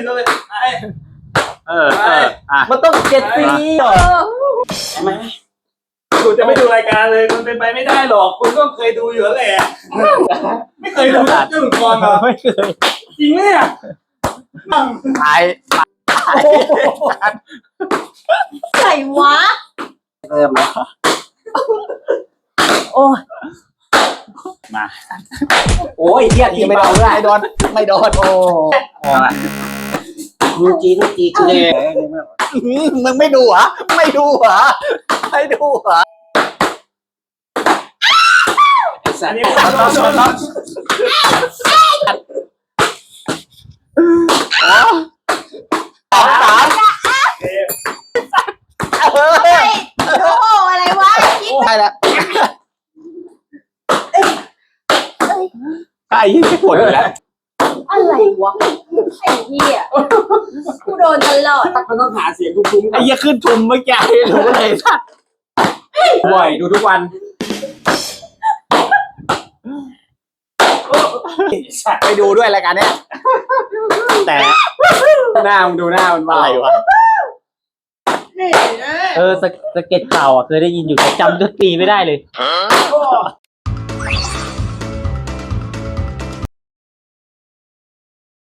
ก็เลยมันต้อง7 ปีเหรอใช่ไหมคุณจะไม่ดูรายการเลยมันเป็นไปไม่ได้หรอกคุณก็เคยดูอยู่แล้วแหละไม่เคยดูเรื่องก่อนเหรอไม่เคยจริงไหมเนี่ยตายใส่วะเริ่มแล้วโอ้ยมาโอ้ยเฮียทีไม่โดนไม่โดนไม่โดนโอ้มึงจีเลยมึงไม่ดูเหรอไม่ดูเหรอไม่ดูเหรออันนี้ขอโทษโอ้อะไรวะใช่แล้วไอ้ยี่ไม่ปวดแล้วอะไรวะไอ้เหี้ยกูโดนตลอดมันต้องหาเสียงคุ้มๆไอ้ยี่ขึ้นทุมเมื่อกี้รู้เลยสัตว์บ่อยดูทุกวันไปดูด้วยรายการเนี้ยแต่หน้ามึงดูหน้ามันว่าอะไรวะสเก็ตเก่าอ่ะเคยได้ยินอยู่แต่จำดนตรีไม่ได้เลย